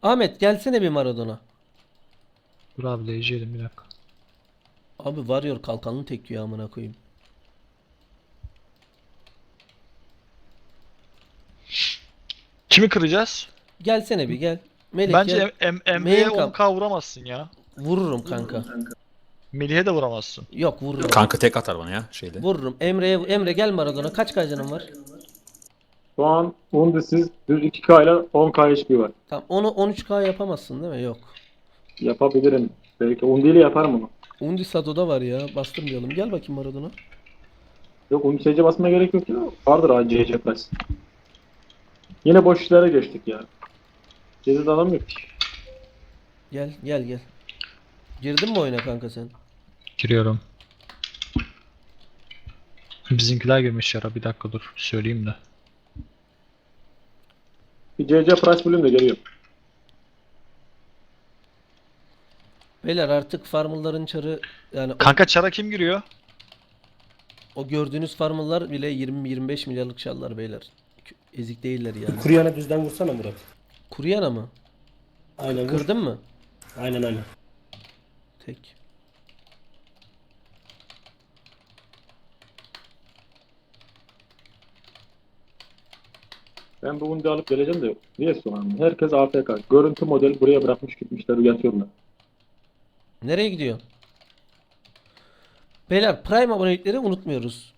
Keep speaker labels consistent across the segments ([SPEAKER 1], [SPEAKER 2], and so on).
[SPEAKER 1] Ahmet gelsene bir Maradona.
[SPEAKER 2] Dur abi değeceğim bir dakika.
[SPEAKER 1] Abi Warrior kalkanını tekiyor amına koyayım.
[SPEAKER 2] Kimi kıracağız?
[SPEAKER 1] Gelsene bir gel. Melih gel.
[SPEAKER 2] Bence Emre'ye
[SPEAKER 1] Menkam.
[SPEAKER 2] 10k vuramazsın ya.
[SPEAKER 1] Vururum kanka.
[SPEAKER 2] Melih'e de vuramazsın.
[SPEAKER 1] Yok vururum.
[SPEAKER 3] Kanka tek atar bana ya şeyde.
[SPEAKER 1] Vururum. Emre gel Maradona. Kaç kacanın var?
[SPEAKER 4] Şu an Undisiz düz 2K ile 10K HP var.
[SPEAKER 1] Tamam onu 13K yapamazsın değil mi? Yok.
[SPEAKER 4] Yapabilirim. Belki Undi ile yaparım onu.
[SPEAKER 1] Undi Sado'da var ya. Bastırmayalım. Gel bakayım Maradona.
[SPEAKER 4] Yok Undi SC basmaya gerek yok ya. Vardır ACC Plus. Yine boş işlere geçtik ya. Cezid adam yok ki.
[SPEAKER 1] Gel. Girdin mi oyuna kanka sen?
[SPEAKER 2] Giriyorum. Bizimkiler girmiş yara, bir dakika dur söyleyeyim de.
[SPEAKER 4] Bir CC Price bölüm de geliyor.
[SPEAKER 1] Beyler artık farmların çarı yani
[SPEAKER 2] Kanka çara kim giriyor?
[SPEAKER 1] o gördüğünüz farmlar bile 20-25 milyarlık şallar beyler. Ezik değiller yani.
[SPEAKER 5] Kuryana düzden vursana Murat.
[SPEAKER 1] Kuruyana mı?
[SPEAKER 5] Aynen vur.
[SPEAKER 1] Kırdın mı?
[SPEAKER 5] Aynen.
[SPEAKER 1] Tek.
[SPEAKER 4] Ben bu Undi alıp geleceğim de yok. Niye sonra? Herkes AFK. Görüntü model buraya bırakmış gitmişler yatıyorlar.
[SPEAKER 1] Nereye gidiyor? Beyler Prime abonelikleri unutmuyoruz.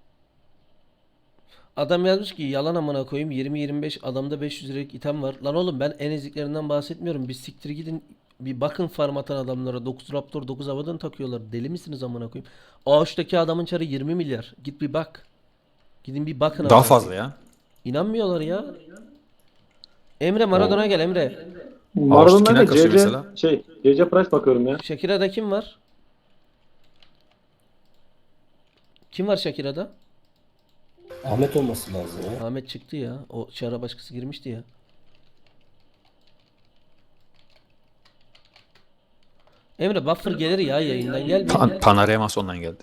[SPEAKER 1] Adam yazmış ki yalan amına koyayım 20-25 adamda 500 liralık item var. Lan oğlum ben en eziklerinden bahsetmiyorum. Bir siktir gidin bir bakın farm atan adamlara 9 Raptor 9 Avadan takıyorlar. Deli misiniz amına koyayım? Ağaçtaki adamın çarı 20 milyar. Git bir bak. Gidin bir bakın
[SPEAKER 3] Daha
[SPEAKER 1] amına
[SPEAKER 3] fazla
[SPEAKER 1] koyayım.
[SPEAKER 3] ya.
[SPEAKER 1] İnanmıyorlar ya. Emre Maradona gel Emre.
[SPEAKER 4] Maradona'da
[SPEAKER 3] kimler kasıyor
[SPEAKER 4] CC
[SPEAKER 3] mesela?
[SPEAKER 4] CC Price bakıyorum ya.
[SPEAKER 1] Shakira'da kim var? Kim var Shakira'da?
[SPEAKER 5] Ahmet olması lazım ya.
[SPEAKER 1] Ahmet çıktı ya. O çara başkası girmişti ya. Emre buffer gelir ya yayından gel bir.
[SPEAKER 3] Panaremas ondan geldi.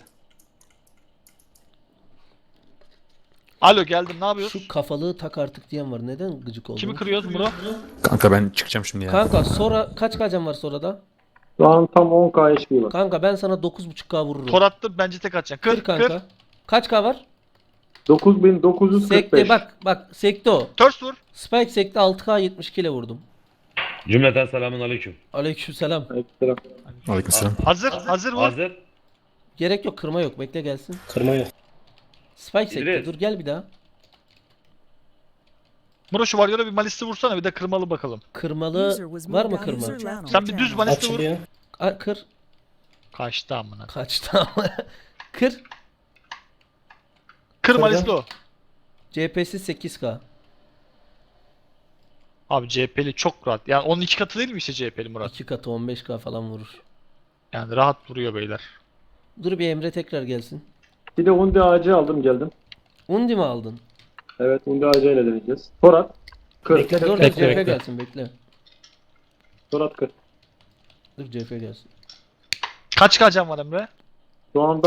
[SPEAKER 2] Alo geldim, ne yapıyorsun?
[SPEAKER 1] Şu kafalığı tak artık diyen var. Neden gıcık oldun?
[SPEAKER 2] Kimi kırıyoruz bro?
[SPEAKER 3] Kanka ben çıkacağım şimdi ya.
[SPEAKER 1] Kanka sonra kaç kacan var sonrada?
[SPEAKER 4] Şu an tam 10K HP var.
[SPEAKER 1] Kanka ben sana 9.5K vururum.
[SPEAKER 2] Tor attım, bence tek atacaksın.
[SPEAKER 1] Kır
[SPEAKER 2] Kır
[SPEAKER 1] kanka.
[SPEAKER 2] kır.
[SPEAKER 1] Kaç K var?
[SPEAKER 4] 9945.
[SPEAKER 1] Sekte bak sekte o.
[SPEAKER 2] Törs vur.
[SPEAKER 1] Spike sekte 6K 72 ile vurdum.
[SPEAKER 6] Cümleten selamun aleyküm.
[SPEAKER 1] Aleykümselam.
[SPEAKER 4] Ekstra.
[SPEAKER 3] Aleykümselam.
[SPEAKER 2] Hazır vur.
[SPEAKER 6] Hazır.
[SPEAKER 1] Gerek yok kırma yok bekle gelsin.
[SPEAKER 5] Kırma yok.
[SPEAKER 1] Spike sekte
[SPEAKER 6] İdris.
[SPEAKER 1] dur gel bir daha.
[SPEAKER 2] Bro şu Warrior'a bir malisti vursana, bir de kırmalı bakalım.
[SPEAKER 1] Kırmalı var mı kırma?
[SPEAKER 2] Sen bir düz malisti vur.
[SPEAKER 5] Açılıyor.
[SPEAKER 1] Kır.
[SPEAKER 2] Kaçtı amına.
[SPEAKER 1] Kaçtı ama. Kır.
[SPEAKER 2] Kır
[SPEAKER 5] Kırdım.
[SPEAKER 2] malisti o.
[SPEAKER 1] CP'si 8K.
[SPEAKER 2] Abi CHP'li çok rahat. Yani onun iki katı değil mi işte CHP'li Murat?
[SPEAKER 1] 2 katı 15K falan vurur.
[SPEAKER 2] Yani rahat vuruyor beyler.
[SPEAKER 1] Dur bir Emre tekrar gelsin.
[SPEAKER 4] Bir de Undi AC aldım geldim.
[SPEAKER 1] Undi mi aldın?
[SPEAKER 4] Evet Undi AC ile deneyeceğiz. Torat. Kır.
[SPEAKER 5] Bekle
[SPEAKER 1] Dur dur
[SPEAKER 5] bekle
[SPEAKER 1] CF
[SPEAKER 5] bekle.
[SPEAKER 1] gelsin bekle.
[SPEAKER 4] Torat kır.
[SPEAKER 1] Dur CF gelsin.
[SPEAKER 2] Kaç kacan var Emre?
[SPEAKER 4] Şu anda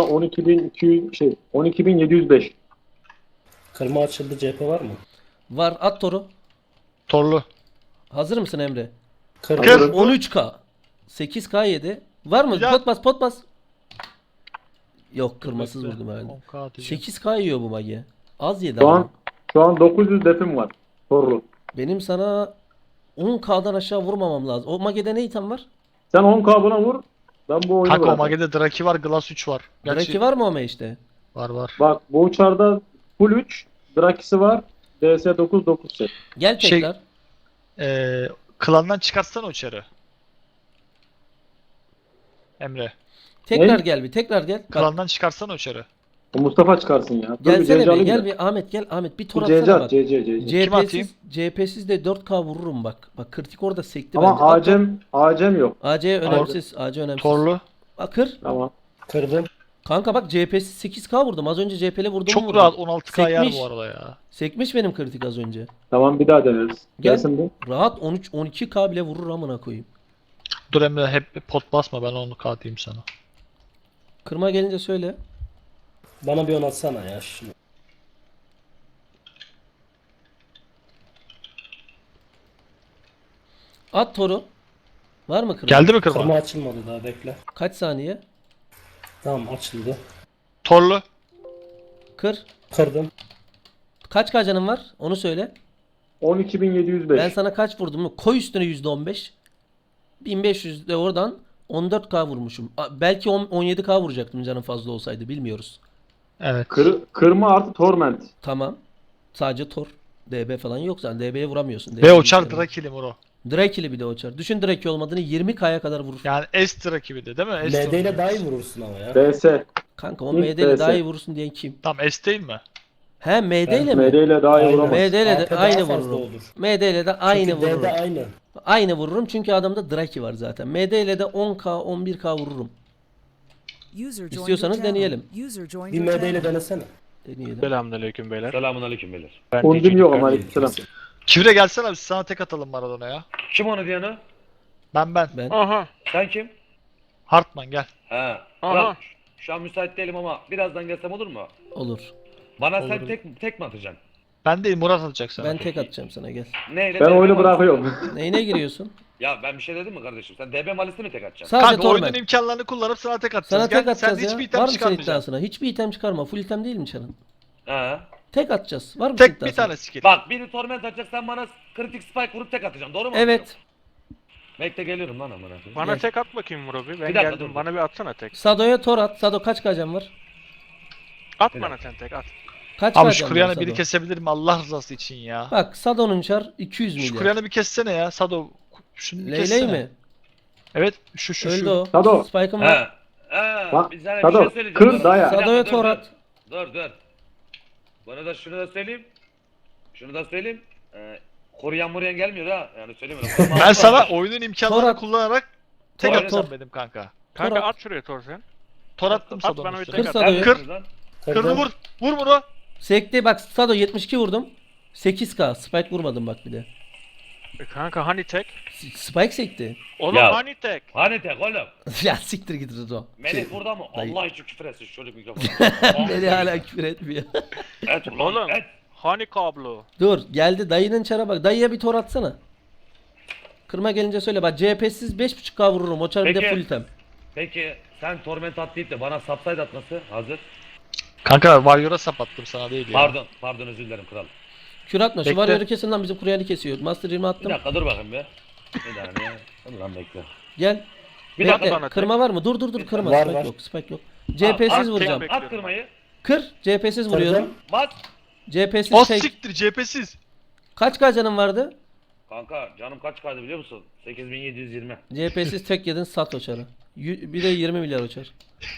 [SPEAKER 4] 12705.
[SPEAKER 5] Kırma açıldı, cephe var mı?
[SPEAKER 1] Var at toru.
[SPEAKER 2] Torlu.
[SPEAKER 1] Hazır mısın Emre?
[SPEAKER 5] Kır.
[SPEAKER 2] Kır.
[SPEAKER 1] 13K. 8K yedi. Var mı?
[SPEAKER 2] Ya.
[SPEAKER 1] Pot bas. Yok kırmasız vurdum herhalde.
[SPEAKER 2] 10k atacağım.
[SPEAKER 1] 8K yiyor bu magi. Az yedi
[SPEAKER 4] Şu
[SPEAKER 1] ama.
[SPEAKER 4] an şu an 900 defim var. Torlu.
[SPEAKER 1] Benim sana 10K'dan aşağı vurmamam lazım. O magede ne item var?
[SPEAKER 4] Sen 10K buna vur. Ben bu oyunu
[SPEAKER 2] Kanka o
[SPEAKER 4] bırakayım.
[SPEAKER 2] Mage'de Draki var, Glass 3 var.
[SPEAKER 1] Draki var mı o işte?
[SPEAKER 2] Var.
[SPEAKER 4] Bak bu uçarda full 3. Drakisi var. DS 9 set.
[SPEAKER 1] Gel
[SPEAKER 2] Şey-
[SPEAKER 1] tekrar.
[SPEAKER 2] Klandan çıkartsana o çarı. Emre.
[SPEAKER 1] Tekrar
[SPEAKER 4] Ne?
[SPEAKER 1] gel bir. Tekrar gel. Bak,
[SPEAKER 2] Klandan çıkartsana o çarı.
[SPEAKER 4] O Mustafa çıkarsın ya. Dur
[SPEAKER 1] gelsene
[SPEAKER 4] CC
[SPEAKER 1] bir.
[SPEAKER 4] alayım
[SPEAKER 1] Gel
[SPEAKER 4] da.
[SPEAKER 1] bir Ahmet gel. Ahmet bir tur
[SPEAKER 4] Bir CC
[SPEAKER 1] atsana
[SPEAKER 4] at
[SPEAKER 1] bak.
[SPEAKER 4] CC.
[SPEAKER 2] Kim atayım?
[SPEAKER 1] CHP'siz de 4K vururum bak. Bak kritik orada sekti
[SPEAKER 4] Ama
[SPEAKER 1] bence. At,
[SPEAKER 4] Acem yok.
[SPEAKER 1] AC önemsiz. AC önemsiz.
[SPEAKER 2] Torlu.
[SPEAKER 1] Bak kır.
[SPEAKER 4] Tamam.
[SPEAKER 5] Kırdım.
[SPEAKER 1] Kanka bak CHP'siz 8K vurdum. Az önce CHP'le vurdum.
[SPEAKER 2] Çok rahat 16k yer
[SPEAKER 1] Sekmiş.
[SPEAKER 2] bu arada ya.
[SPEAKER 1] Sekmiş benim kritik az önce.
[SPEAKER 4] Tamam bir daha deneriz.
[SPEAKER 1] Gel.
[SPEAKER 4] Gelsin bir.
[SPEAKER 1] Rahat 13-12K bile vurur amına koyayım.
[SPEAKER 2] Dur Emre, hep pot basma, ben onu atayım sana.
[SPEAKER 1] Kırma gelince söyle.
[SPEAKER 5] Bana bir 10 atsana ya şunu.
[SPEAKER 1] At toru. Var mı kırma?
[SPEAKER 2] Geldi mi kırma?
[SPEAKER 5] Kırma açılmadı daha, bekle.
[SPEAKER 1] Kaç saniye?
[SPEAKER 5] Tamam, açıldı.
[SPEAKER 2] Torlu.
[SPEAKER 1] Kır.
[SPEAKER 5] Kırdım.
[SPEAKER 1] Kaç kacanın var? Onu söyle.
[SPEAKER 4] 12.705.
[SPEAKER 1] Ben sana kaç vurdum mu? Koy üstüne %15. 1500 de oradan 14k vurmuşum. Belki 17k vuracaktım canım fazla olsaydı, bilmiyoruz.
[SPEAKER 2] Evet.
[SPEAKER 4] Kırma artı torment.
[SPEAKER 1] Tamam. Sadece tor. DB falan yok zaten. DB'ye vuramıyorsun.
[SPEAKER 2] Ve uçar Drakili Muro.
[SPEAKER 1] Drake'li bir de uçar. Düşün Drake olmadığını 20k'ya kadar vurur.
[SPEAKER 2] Yani S Draki de değil mi? S
[SPEAKER 5] MD ile daha iyi vurursun ama ya.
[SPEAKER 4] BS.
[SPEAKER 1] Kanka o
[SPEAKER 4] İlk
[SPEAKER 1] MD ile daha
[SPEAKER 4] DS.
[SPEAKER 1] iyi vurursun diyen kim?
[SPEAKER 2] Tam S değil mi?
[SPEAKER 1] He MD ile
[SPEAKER 4] MD
[SPEAKER 1] mi?
[SPEAKER 4] ile daha iyi
[SPEAKER 5] Aynen.
[SPEAKER 4] vuramaz.
[SPEAKER 1] MD ile de
[SPEAKER 5] AP daha
[SPEAKER 1] aynı
[SPEAKER 5] fazla
[SPEAKER 1] vururum.
[SPEAKER 5] olur.
[SPEAKER 1] MD ile de aynı
[SPEAKER 5] Çünkü
[SPEAKER 1] vururum.
[SPEAKER 5] D'de aynı.
[SPEAKER 1] Aynı vururum çünkü adamda Draki var zaten. MD ile de 10k 11k vururum. İstiyorsanız deneyelim.
[SPEAKER 5] Bir MD ile denesene.
[SPEAKER 1] Deneyelim.
[SPEAKER 7] Selamünaleyküm beyler.
[SPEAKER 6] Selamun beyler.
[SPEAKER 4] Ondum yok ama aleykümselam.
[SPEAKER 2] Kivre gelsene biz sana tek atalım Maradona'ya.
[SPEAKER 6] Kim onu diyene?
[SPEAKER 2] Ben.
[SPEAKER 1] Ben
[SPEAKER 7] Aha.
[SPEAKER 6] Sen kim?
[SPEAKER 2] Hartman gel.
[SPEAKER 6] He.
[SPEAKER 7] Aha.
[SPEAKER 6] Kral, şu an müsait değilim ama birazdan gelsem olur mu?
[SPEAKER 1] olur.
[SPEAKER 6] Bana
[SPEAKER 2] Olur.
[SPEAKER 6] sen tek mi atacaksın?
[SPEAKER 2] Ben değil, Murat atacak sana.
[SPEAKER 1] Ben tek atacağım sana, gel.
[SPEAKER 6] Neyle?
[SPEAKER 4] Ben
[SPEAKER 6] DB
[SPEAKER 4] oyunu
[SPEAKER 6] malisi-
[SPEAKER 4] bırakıyorum.
[SPEAKER 1] Neyine giriyorsun?
[SPEAKER 6] Ya ben bir şey dedim mi kardeşim? Sen DB malisi mi tek atacaksın?
[SPEAKER 1] Sadece
[SPEAKER 2] Kanka oyunun
[SPEAKER 1] torment.
[SPEAKER 2] imkanlarını kullanıp sana tek atacağız.
[SPEAKER 1] Sana tek
[SPEAKER 2] Gel,
[SPEAKER 1] atacağız
[SPEAKER 2] sen
[SPEAKER 1] ya.
[SPEAKER 2] hiçbir item
[SPEAKER 1] Var mı senin
[SPEAKER 2] çıkarmayacaksın.
[SPEAKER 1] iddiasına? Hiçbir item çıkarma. Full item değil mi Çarın?
[SPEAKER 6] He.
[SPEAKER 1] Tek atacağız. Var mı
[SPEAKER 2] Tek bir
[SPEAKER 1] iddiasına?
[SPEAKER 2] tane skill.
[SPEAKER 6] Bak biri torment atacak, sen bana kritik spike vurup tek atacaksın. Doğru mu?
[SPEAKER 1] Evet.
[SPEAKER 6] Bekle geliyorum lan amına koyayım.
[SPEAKER 7] Bana
[SPEAKER 1] Gel.
[SPEAKER 7] tek at bakayım Murat abi. Ben
[SPEAKER 6] Bir dakika,
[SPEAKER 7] geldim.
[SPEAKER 6] dur.
[SPEAKER 7] Bana bir atsana tek.
[SPEAKER 1] Sado'ya tor at. Sado kaç kacan var?
[SPEAKER 7] At
[SPEAKER 6] Bir
[SPEAKER 7] bana sen tek at.
[SPEAKER 1] Kaç
[SPEAKER 2] Abi şu
[SPEAKER 1] kacan var
[SPEAKER 2] Kuryan'ı
[SPEAKER 1] Sado?
[SPEAKER 2] biri kesebilir mi Allah rızası için ya?
[SPEAKER 1] Bak Sado'nun çar 200
[SPEAKER 2] Şu
[SPEAKER 1] milyar.
[SPEAKER 2] Kuryan'ı bir kessene ya Sado. Şunu bir
[SPEAKER 1] Leyley
[SPEAKER 2] kessene.
[SPEAKER 1] mi?
[SPEAKER 2] Evet şu
[SPEAKER 1] Öldü o.
[SPEAKER 4] Sado.
[SPEAKER 1] Spike'ım var.
[SPEAKER 6] He. He.
[SPEAKER 4] Bak,
[SPEAKER 6] Bir sana bir
[SPEAKER 4] Sado,
[SPEAKER 6] şey söyleyeceğim.
[SPEAKER 4] kır
[SPEAKER 6] Dur.
[SPEAKER 4] daya.
[SPEAKER 6] Bir dakika,
[SPEAKER 1] Sado'ya
[SPEAKER 6] dur,
[SPEAKER 1] tor
[SPEAKER 6] dur.
[SPEAKER 1] at.
[SPEAKER 6] Dur. Bana da şunu da söyleyeyim. Şunu da söyleyeyim. Koruyan gelmiyor ha. Yani söyleyeyim öyle.
[SPEAKER 2] Ben sana oyunun imkanlarını
[SPEAKER 1] Torat.
[SPEAKER 2] kullanarak tek
[SPEAKER 6] Torat.
[SPEAKER 2] atacağım dedim kanka.
[SPEAKER 7] Kanka
[SPEAKER 1] at.
[SPEAKER 7] at şuraya tor sen.
[SPEAKER 2] Tor attım
[SPEAKER 7] At
[SPEAKER 2] Sado'nun
[SPEAKER 7] bana bir
[SPEAKER 2] üstüne.
[SPEAKER 7] tek
[SPEAKER 1] Kır
[SPEAKER 7] at.
[SPEAKER 1] Sado'yu.
[SPEAKER 2] Kır.
[SPEAKER 5] Kırdım.
[SPEAKER 2] Kırdı vur. Vur bunu.
[SPEAKER 1] Sekti bak Sado 72 vurdum. 8k. Spike vurmadım bak bir de.
[SPEAKER 7] Kanka hani tek?
[SPEAKER 1] Spike sekti.
[SPEAKER 7] Oğlum
[SPEAKER 6] Ya.
[SPEAKER 7] hani tek?
[SPEAKER 6] Hani tek oğlum.
[SPEAKER 1] Ya siktir git Rızo.
[SPEAKER 6] Melih burada mı?
[SPEAKER 1] dayı.
[SPEAKER 6] Allah için küfür etsin şöyle mikrofonu.
[SPEAKER 1] Beni hala küfür etmiyor.
[SPEAKER 6] Et ulan
[SPEAKER 7] Oğlum.
[SPEAKER 6] et.
[SPEAKER 7] Hani kablo?
[SPEAKER 1] Dur geldi dayının çara bak. Dayıya bir tor atsana. Kırma gelince söyle bak CHP'siz 5.5k vururum. O çar bir de
[SPEAKER 6] Peki.
[SPEAKER 1] full item.
[SPEAKER 6] Peki sen torment at deyip de bana subside atması hazır.
[SPEAKER 2] Kanka Warrior'a sap attım sana değil ya.
[SPEAKER 6] Pardon özür dilerim kral.
[SPEAKER 1] Kür atma. Şu
[SPEAKER 2] Bekle.
[SPEAKER 1] varyoru kesin lan bizim kuryanı kesiyor. Master 20
[SPEAKER 6] Bir
[SPEAKER 1] attım.
[SPEAKER 6] dakika dur bakayım be. Bir saniye. Dur lan bekle.
[SPEAKER 1] Gel.
[SPEAKER 6] Bir
[SPEAKER 1] Bekle.
[SPEAKER 6] dakika
[SPEAKER 7] bana
[SPEAKER 1] Kırma var mı? Dur kırma.
[SPEAKER 5] Var,
[SPEAKER 1] Spike
[SPEAKER 5] var.
[SPEAKER 1] yok. Spike yok. CHP'siz
[SPEAKER 6] at,
[SPEAKER 1] vuracağım.
[SPEAKER 7] tek-
[SPEAKER 6] At kırmayı.
[SPEAKER 1] Kır. CHP'siz vuruyorum.
[SPEAKER 6] Bas.
[SPEAKER 1] CHP'siz
[SPEAKER 2] O
[SPEAKER 1] tek.
[SPEAKER 2] siktir cephesiz.
[SPEAKER 1] Kaç canın vardı?
[SPEAKER 6] Kanka canım kaç kaydı biliyor musun? 8720.
[SPEAKER 1] CHP'siz tek yedin sat o çarı. Bir de 20 milyar o çar.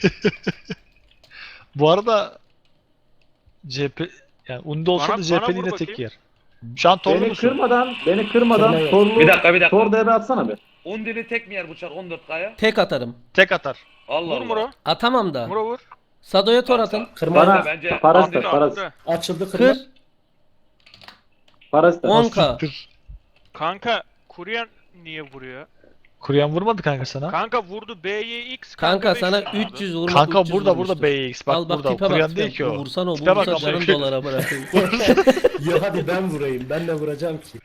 [SPEAKER 2] Bu arada CHP yani Undi olsa
[SPEAKER 7] Bana-
[SPEAKER 2] da
[SPEAKER 7] bana
[SPEAKER 2] CHP'nin
[SPEAKER 7] vur
[SPEAKER 2] yine tek
[SPEAKER 7] bakayım.
[SPEAKER 2] yer. Şu an torlu
[SPEAKER 4] Beni
[SPEAKER 2] musun?
[SPEAKER 4] beni kırmadan
[SPEAKER 5] Kırma yok.
[SPEAKER 4] torlu.
[SPEAKER 6] Bir dakika.
[SPEAKER 4] Tor DB atsana bir.
[SPEAKER 6] Undili tek mi yer bu çar 14K'ya?
[SPEAKER 1] Tek atarım.
[SPEAKER 2] Tek atar.
[SPEAKER 6] Allah
[SPEAKER 7] Vur
[SPEAKER 6] Allah.
[SPEAKER 7] Muro.
[SPEAKER 1] Atamam da.
[SPEAKER 7] Muro vur.
[SPEAKER 1] Sado'ya tor atın.
[SPEAKER 5] Kırma.
[SPEAKER 4] Bana
[SPEAKER 6] bence-
[SPEAKER 4] parası
[SPEAKER 6] Andil
[SPEAKER 4] da
[SPEAKER 6] al,
[SPEAKER 4] parası.
[SPEAKER 5] Açıldı kırma.
[SPEAKER 1] Kır.
[SPEAKER 4] Parası da.
[SPEAKER 1] 10k.
[SPEAKER 2] Siktir.
[SPEAKER 7] Kanka Kuryan niye vuruyor?
[SPEAKER 2] Kuryan vurmadı kanka sana.
[SPEAKER 7] Kanka vurdu BYX.
[SPEAKER 1] Kanka
[SPEAKER 7] 500
[SPEAKER 1] sana
[SPEAKER 7] vurdu.
[SPEAKER 1] 300 vurma.
[SPEAKER 2] Kanka
[SPEAKER 1] 300
[SPEAKER 2] burada
[SPEAKER 1] vurmuştur.
[SPEAKER 2] BX bak
[SPEAKER 1] Al bak
[SPEAKER 2] burada.
[SPEAKER 1] tipe bak.
[SPEAKER 2] Kuryan değil
[SPEAKER 1] tipe.
[SPEAKER 2] ki o.
[SPEAKER 1] Bu vursan o. Bu
[SPEAKER 2] Tipe bak
[SPEAKER 1] vursa
[SPEAKER 2] amına
[SPEAKER 1] canın
[SPEAKER 2] koyayım.
[SPEAKER 1] dolara bırakayım.
[SPEAKER 5] Ya hadi ben vurayım. Ben de vuracağım ki.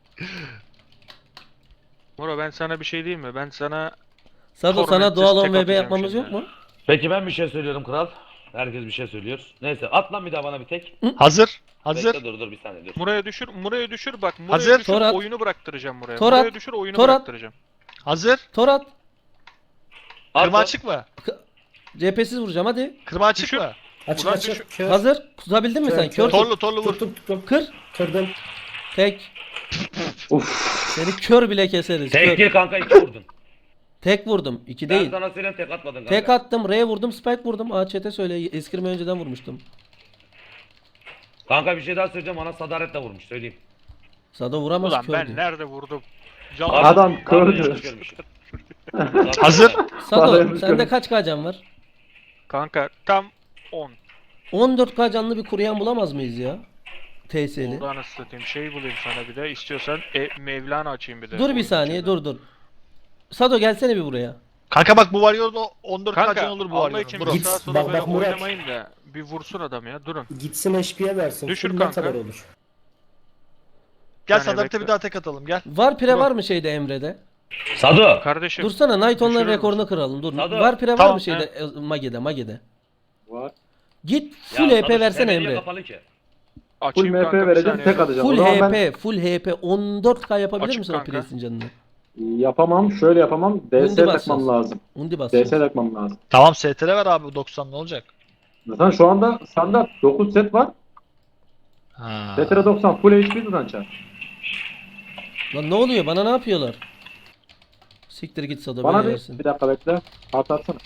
[SPEAKER 7] Muro ben sana bir şey diyeyim mi? Ben sana
[SPEAKER 1] Sado sana
[SPEAKER 7] Tormentsiz
[SPEAKER 1] doğal
[SPEAKER 7] tek
[SPEAKER 1] 10 VB
[SPEAKER 7] atacağım
[SPEAKER 1] yapmamız
[SPEAKER 7] şimdi.
[SPEAKER 1] yok mu?
[SPEAKER 6] Peki ben bir şey söylüyorum kral. Herkes bir şey söylüyor. Neyse at lan bir daha bana bir tek.
[SPEAKER 2] Hazır. Hazır.
[SPEAKER 6] Bekle dur bir saniye dur.
[SPEAKER 7] Muro'ya düşür bak. Muro'ya
[SPEAKER 2] Hazır.
[SPEAKER 7] düşür
[SPEAKER 1] Tor at.
[SPEAKER 7] oyunu bıraktıracağım Muro'ya.
[SPEAKER 1] Tor at.
[SPEAKER 7] Muro'ya düşür oyunu
[SPEAKER 1] Tor at.
[SPEAKER 7] bıraktıracağım.
[SPEAKER 2] Hazır.
[SPEAKER 1] Tor at.
[SPEAKER 2] Kırma
[SPEAKER 6] At.
[SPEAKER 2] açık mı?
[SPEAKER 1] CHP'siz vuracağım hadi.
[SPEAKER 2] Kırma açık
[SPEAKER 7] Düşür.
[SPEAKER 2] mı?
[SPEAKER 5] Açık
[SPEAKER 7] Ulan
[SPEAKER 5] açık. Kör.
[SPEAKER 1] Hazır. Tutabildin mi
[SPEAKER 5] Kör,
[SPEAKER 1] sen?
[SPEAKER 5] kör.
[SPEAKER 1] Kör tut.
[SPEAKER 2] Torlu vur.
[SPEAKER 5] Tuttum.
[SPEAKER 1] Kır.
[SPEAKER 5] Kırdım.
[SPEAKER 1] Tek. Seni kör bile keseriz.
[SPEAKER 6] Tek
[SPEAKER 1] Kör.
[SPEAKER 6] değil kanka 2 vurdun.
[SPEAKER 1] Tek vurdum. 2
[SPEAKER 6] Ben
[SPEAKER 1] değil.
[SPEAKER 6] sana söyleyeyim tek atmadın kanka.
[SPEAKER 1] Tek attım. R'ye vurdum. Spike vurdum. Chat'e söyle. Eskirme önceden vurmuştum.
[SPEAKER 6] Kanka bir şey daha söyleyeceğim bana sadaretle vurmuş söyleyeyim.
[SPEAKER 1] Sado vuramaz
[SPEAKER 7] Ulan
[SPEAKER 1] kör
[SPEAKER 7] ben
[SPEAKER 1] diyor.
[SPEAKER 7] nerede vurdum? Can
[SPEAKER 4] Adam
[SPEAKER 6] Vallahi
[SPEAKER 4] kördü.
[SPEAKER 6] yanlış görmüşüm.
[SPEAKER 2] Hazır.
[SPEAKER 1] Sado
[SPEAKER 4] Sado
[SPEAKER 1] sende
[SPEAKER 4] kör.
[SPEAKER 1] kaç can var?
[SPEAKER 7] Kanka tam 10.
[SPEAKER 1] 14k canlı bir kuruyan bulamaz mıyız ya? TS'li.
[SPEAKER 7] Oldu anasını satayım. Şey bulayım sana bir de. İstiyorsan Mevlana açayım bir de.
[SPEAKER 1] Dur bir
[SPEAKER 7] Oyun
[SPEAKER 1] saniye
[SPEAKER 7] içinde.
[SPEAKER 1] dur. Sado gelsene bir buraya.
[SPEAKER 2] Kanka bak bu Warrior'da 14
[SPEAKER 7] Kanka
[SPEAKER 2] kaçın olur bu
[SPEAKER 7] Allah için
[SPEAKER 2] Warrior'ın.
[SPEAKER 7] bir
[SPEAKER 5] Git,
[SPEAKER 7] sağa sola
[SPEAKER 5] bak,
[SPEAKER 7] böyle
[SPEAKER 5] bak Murat.
[SPEAKER 7] oynamayın da bir vursun adam ya. Durun.
[SPEAKER 5] Gitsin HP'ye versin.
[SPEAKER 7] Düşür
[SPEAKER 5] Full ne
[SPEAKER 7] kanka.
[SPEAKER 5] kadar olur?
[SPEAKER 2] Gel
[SPEAKER 7] saniye
[SPEAKER 2] Sadat'ta
[SPEAKER 7] bekle.
[SPEAKER 2] bir daha tek atalım gel.
[SPEAKER 1] Var pire var mı şeyde Emre'de?
[SPEAKER 6] Sado.
[SPEAKER 7] Kardeşim.
[SPEAKER 1] Dursana Night Online'ın
[SPEAKER 7] Düşürür
[SPEAKER 1] rekorunu
[SPEAKER 7] müsün?
[SPEAKER 1] kıralım. Dur.
[SPEAKER 6] Sado.
[SPEAKER 1] Var pire var
[SPEAKER 2] Tamam,
[SPEAKER 1] mı şeyde Mage'de?
[SPEAKER 4] Var.
[SPEAKER 1] Git
[SPEAKER 6] Ya
[SPEAKER 1] full
[SPEAKER 6] Sado,
[SPEAKER 1] HP versene
[SPEAKER 6] sen niye
[SPEAKER 1] Emre.
[SPEAKER 6] kapalı ki?
[SPEAKER 4] Full
[SPEAKER 7] Açayım
[SPEAKER 4] MP
[SPEAKER 7] kanka bir
[SPEAKER 4] vereceğim,
[SPEAKER 7] saniye.
[SPEAKER 4] tek atacağım.
[SPEAKER 1] Full
[SPEAKER 4] O zaman ben
[SPEAKER 1] HP, full HP 14k yapabilir
[SPEAKER 7] Açık
[SPEAKER 1] misin o
[SPEAKER 7] kanka.
[SPEAKER 1] presin canını?
[SPEAKER 4] yapamam, şöyle yapamam. DS
[SPEAKER 1] Undi
[SPEAKER 4] takmam
[SPEAKER 1] basacağız.
[SPEAKER 4] lazım.
[SPEAKER 1] Undi bas.
[SPEAKER 4] DS takmam lazım.
[SPEAKER 2] Tamam STR ver abi 90 ne olacak?
[SPEAKER 4] Zaten şu anda standart 9 set var.
[SPEAKER 2] Ha.
[SPEAKER 4] STR 90 full HP zaten çar.
[SPEAKER 1] Lan ne oluyor? Bana ne yapıyorlar? Siktir git Sado
[SPEAKER 4] Bana
[SPEAKER 1] beni
[SPEAKER 4] bir,
[SPEAKER 1] yersin.
[SPEAKER 4] bir dakika bekle. Artı atsana.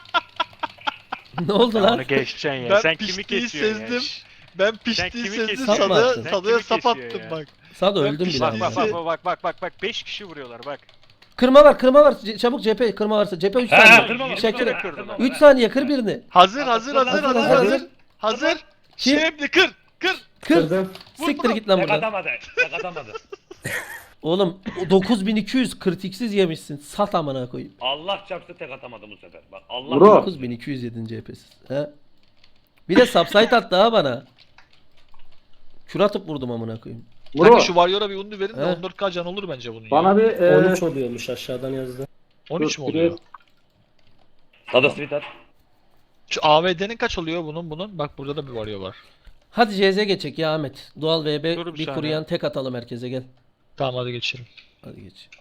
[SPEAKER 1] Ne oldu
[SPEAKER 7] Ya
[SPEAKER 1] lan?
[SPEAKER 7] onu geçeceksin ya.
[SPEAKER 2] Ben
[SPEAKER 7] Sen kimi
[SPEAKER 2] piştiği
[SPEAKER 7] kesiyorsun ya?
[SPEAKER 2] sezdim. Ben
[SPEAKER 7] Sen
[SPEAKER 2] piştiği
[SPEAKER 7] kimi
[SPEAKER 2] sezdim
[SPEAKER 7] kesiyorsun?
[SPEAKER 1] Sapma attın.
[SPEAKER 2] Sadık'a
[SPEAKER 7] Sen
[SPEAKER 2] sap
[SPEAKER 7] kimi
[SPEAKER 2] attım
[SPEAKER 7] kesiyor
[SPEAKER 2] bak.
[SPEAKER 1] Sado
[SPEAKER 2] Ben
[SPEAKER 1] öldüm bile
[SPEAKER 7] Bak
[SPEAKER 1] ama.
[SPEAKER 7] bak bak bak bak bak 5 kişi vuruyorlar bak.
[SPEAKER 1] Kırma var. Çabuk cephe kırma varsa. Cephe 3
[SPEAKER 6] He
[SPEAKER 1] saniye.
[SPEAKER 6] kırma bak.
[SPEAKER 1] Şakir.
[SPEAKER 6] kırma, kırma.
[SPEAKER 1] 3 saniye kır birini.
[SPEAKER 2] Hazır.
[SPEAKER 1] Hazır.
[SPEAKER 2] Şimdi kır.
[SPEAKER 1] Kır.
[SPEAKER 5] Kırdım.
[SPEAKER 1] Siktir git lan
[SPEAKER 6] Tek
[SPEAKER 1] buradan.
[SPEAKER 6] atamadı. Tek atamadı.
[SPEAKER 1] Oğlum o 9200 kritiksiz yemişsin. Sat amına koyayım.
[SPEAKER 6] Allah çarptı tek atamadı bu sefer. Bak Allah.
[SPEAKER 4] Bro.
[SPEAKER 1] 9200 yedin CHP'siz. He. Bir de subsite attı ha bana. Kür atıp vurdum amına koyayım.
[SPEAKER 4] Bro,
[SPEAKER 2] Kanka şu Warrior'a bir undi verin de
[SPEAKER 1] He.
[SPEAKER 2] 14k can olur bence bunun ya.
[SPEAKER 4] bana bir
[SPEAKER 5] 13 oluyormuş aşağıdan yazdı.
[SPEAKER 2] 13 mü
[SPEAKER 4] dur,
[SPEAKER 2] oluyor?
[SPEAKER 6] Sado sweet at.
[SPEAKER 2] Şu AVD'nin kaç oluyor bunun? Bak burada da bir Warrior var.
[SPEAKER 1] Hadi CZ geçecek ya Ahmet. Doğal VB
[SPEAKER 7] Dur bir
[SPEAKER 1] bir
[SPEAKER 7] saniye.
[SPEAKER 1] kuruyan tek atalım herkese gel.
[SPEAKER 2] Tamam hadi geçelim.
[SPEAKER 1] Hadi geç.